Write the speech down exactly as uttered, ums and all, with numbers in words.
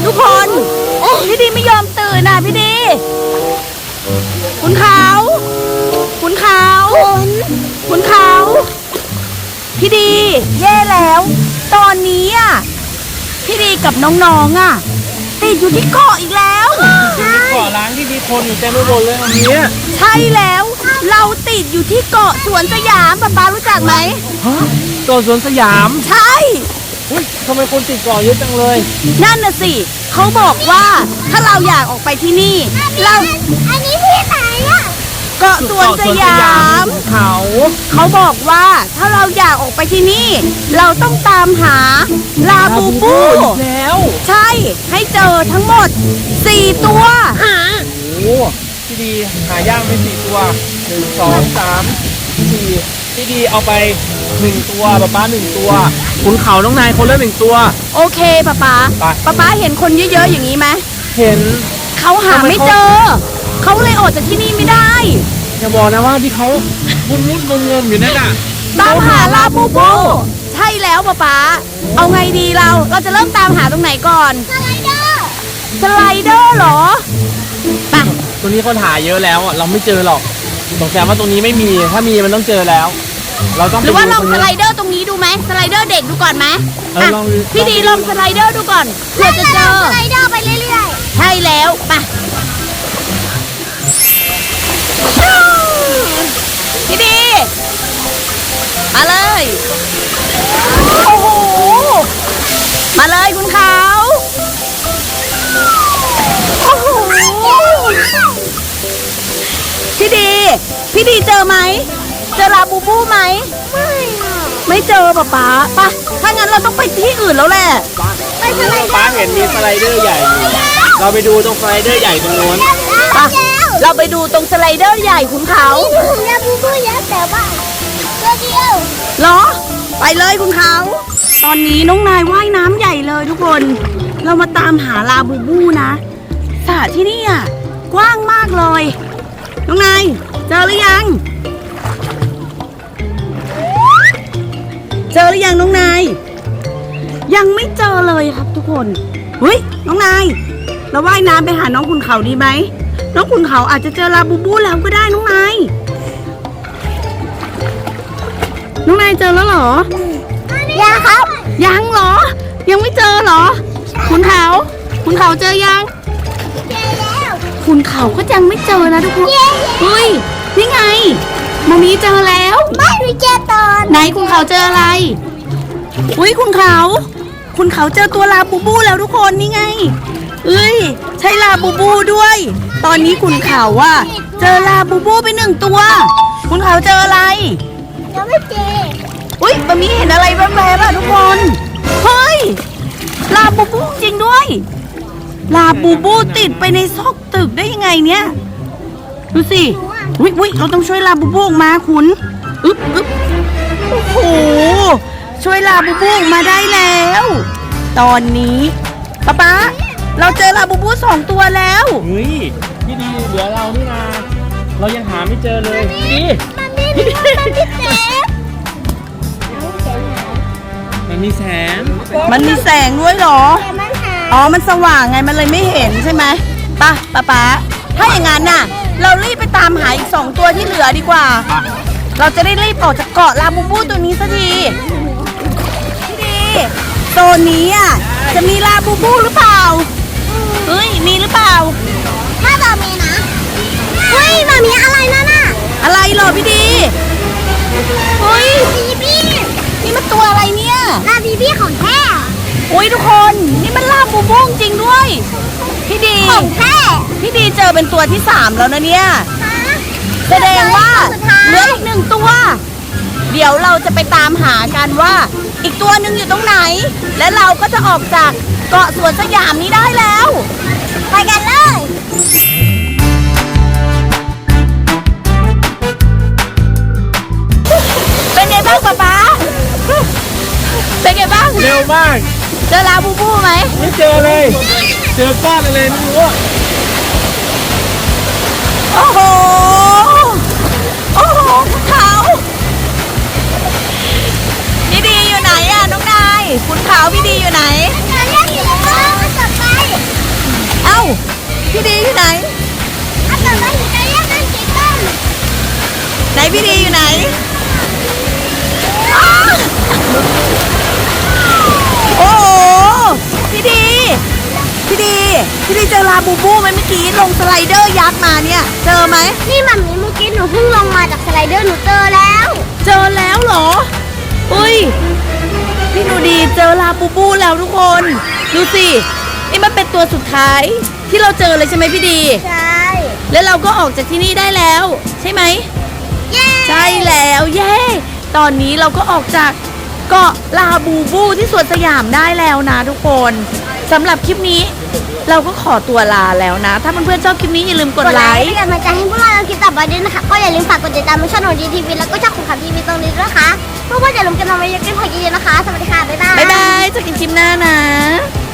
ทุกคนพี่ดีไม่ยอมตื่นนะพี่ดีคุณเขาคุณเขาคุณเขาพี่ดีแย่แล้วตอนนี้อ่ะพี่ดีกับน้องๆอ่ะติดอยู่ที่เกาะอีกแล้วเกาะล้างที่มีคนอยู่เต็มไปหมดเลยตรงนี้ใช่แล้วเราติดอยู่ที่เกาะสวนสยามป๊าป๊ารู้จักไหมฮะเกาะสวนสยามใช่อุ้ยทำไมคนติดเกาะเยอะจังเลยนั่นน่ะสิเขาบอกว่าถ้าเราอยากออกไปที่นี่เราอันนี้ที่ไหนอะเกาะสวนสยามเขาเขาบอกว่าถ้าเราอยากออกไปที่นี่เราต้องตามหาลาบูบูแล้วใช่ให้เจอทั้งหมดสี่ตัวหาโอ้พี่ดีหายากไปสี่ตัวหนึ่งสองสามสี่พี่ดีเอาไปหนึ่งตัวป๊าป๊าหนึ่งตัวขุนเขาน้องนายคนละหนึ่งตัวโอเคป๊าป๊าป๊าป๊าเห็นคนเยอะๆอย่างนี้ไหมเห็นเขาหาไม่เจอเขาเลยออกจากที่นี่ไม่ได้อย่าบอกนะว่าที่เขามุดมุดงงงอยู่นั่นน่ะตามหาลาบูบูใช่แล้วป๊าป๊าเอาไงดีเราเราจะเริ่มตามหาตรงไหนก่อนสไลเดอร์สไลเดอร์เหรอไปตรงนี้เขาถ่ายเยอะแล้วเราไม่เจอหรอกสงสัยว่าตรงนี้ไม่มีถ้ามีมันต้องเจอแล้วเราต้องหรือว่าลองสไลเดอร์ตรงนี้ดูไหมสไลเดอร์เด็กดูก่อนไหมพี่ดีลองสไลเดอร์ดูก่อนเผื่อจะเจอสไลเดอร์ไปเรื่อยๆใช่แล้วไปพี่ดีมาเลยโอ้โหมาเลยคุณเขาโอ้โหพี่ดีพี่ดีเจอไหมเจอลาบูบูไหมไม่ไม่เจอป๊าป๊าป่ะถ้างั้นเราต้องไปที่อื่นแล้วแหละไปสไลเดอร์ป๊าเห็นมีสไลเดอร์ใหญ่เราไปดูตรงสไลเดอร์ใหญ่ตรงโน้นป่ะเราไปดูตรงสไลเดอร์ใหญ่คุณเขาลาบูบูเยอะแต่ว่าตัวเดียวเหรอไปเลยคุณเขาตอนนี้น้องนายว่ายน้ำใหญ่เลยทุกคนเรามาตามหาลาบูบูนะสระที่นี่อ่ะกว้างมากเลยน้องนายเจอหรือยังเจอหรือยังน้องนายยังไม่เจอเลยครับทุกคนเฮ้ยน้องนายเราว่ายน้ำไปหาน้องขุนเขาดีไหมน้องขุนเขาอาจจะเจอลาบูบูแล้วก็ได้น้องนายน้องนายเจอแล้วเหรอยังครับยังเหรอยังไม่เจอเหรอขุนเขาขุนเขาเจอยังเจอแล้วขุนเขาก็ยังไม่เจอนะทุกคนเฮ้ยนี่ไงมามีเจอแล้วไม่มีเจอตอนไหนขุนเขาเจออะไรอุ้ยขุนเขาขุนเขาเจอตัวลาบูบูแล้วทุกคนนี่ไงเอ้ยใช่ลาบูบูด้วยตอนนี้ขุนเขาว่าเจอลาบูบูไปหนึ่งตัวขุนเขาเจออะไรยังไม่เจออุ้ยมามีเห็นอะไรแวบๆอ่ะทุกคนเฮ้ยลาบูบูจริงด้วยลาบูบูติดไปในซอกตึกได้ยังไงเนี่ยดูสิอุ้ยอุ้ยเราต้องช่วยลาบูบูออกมาคุณอึ๊บอึ๊บโอ้โหช่วยลาบูบูออกมาได้แล้วตอนนี้ป๊าป๊าเราเจอลาบูบูสองตัวแล้วเฮ้ยพี่ดีเหลือเรานี่นาเรายังหาไม่เจอเลยพี่มันมีมันมีแสงมันมีแสงมันมีแสงด้วยเหรออ๋อมันสว่างไงมันเลยไม่เห็นใช่ไหมป่ะป๊าป๊าถ้าอย่างนั้นน่ะเรารีบไปตามหาอีกสองตัวที่เหลือดีกว่าเราจะได้รีบออกจากเกาะลาบูบูตัวนี้สักทีพี่ดีโซนนี้อ่ะจะมีลาบูบูหรือเปล่าเฮ้ยมีหรือเปล่าถ้าจะมีนะเฮ้ยมันมีอะไรนั่นน่ะอะไรเหรอพี่ดีเฮ้ยบีบี้นี่มันตัวอะไรเนี่ยลาบีบี้ของแท้อุ้ยทุกคนนี่มันลาบูบูจริงด้วยพี่ดีของแท้พี่ดีเจอเป็นตัวที่สามแล้วนะเนี่ยแสดงว่าเหลืออีกหนึ่งตัวเดี๋ยวเราจะไปตามหากันว่าอีกตัวหนึ่งอยู่ตรงไหนและเราก็จะออกจากเกาะสวนสยามนี้ได้แล้วไปกันเลยเป็นไงบ้างป๊าป๊าเป็นไงบ้างเร็วมากเจอลาบูบูไหมไม่เจอเลยเจอก้อนอะไรไม่รู้โอ้โหโอ้โหคุณเขาพี่ดีอยู่ไหนอะน้องนายคุณเขาพี่ดีอยู่ไหนจะเรียกอยู่ว่าจะไปพี่ดีอยู่ไหนอ้าวโอ้โหพี่ดีพี่ดีพี่ดีเจอลาบูบูไหมเมื่อกี้ลงสไลเดอร์ยักษ์มาเนี่ยเจอไหมนี่มัมมี่เมื่อกี้หนูเพิ่งลงมาจากสไลเดอร์หนูเจอแล้วเจอแล้วเหรออุ้ยพี่หนูดีเจอลาบูบูแล้วทุกคนดูสินี่มันเป็นตัวสุดท้ายที่เราเจอเลยใช่ไหมพี่ดีใช่แล้วเราก็ออกจากที่นี่ได้แล้ว ใช่ไหมเย้ใช่แล้วเย้ตอนนี้เราก็ออกจากเกาะลาบูบูที่สวนสยามได้แล้วนะทุกคนสำหรับคลิปนี้เราก็ขอตัวลาแล้วนะ ถ้าเพื่อนๆชอบคลิปนี้อย่าลืมกดไลค์เป็นกำลังใจให้พวกเราในคลิปต่อไปด้วยนะคะก็อย่าลืมฝากกดติดตามช่องของดีทีวีแล้วก็ช่องของขับทีวีตรงนี้ด้วยนะคะเพื่อว่าจะลงกันมาเยอะๆกันพอเยอะๆนะคะสวัสดีค่ะบ๊ายบายบ๊ายบายเจอกันคลิปหน้านะ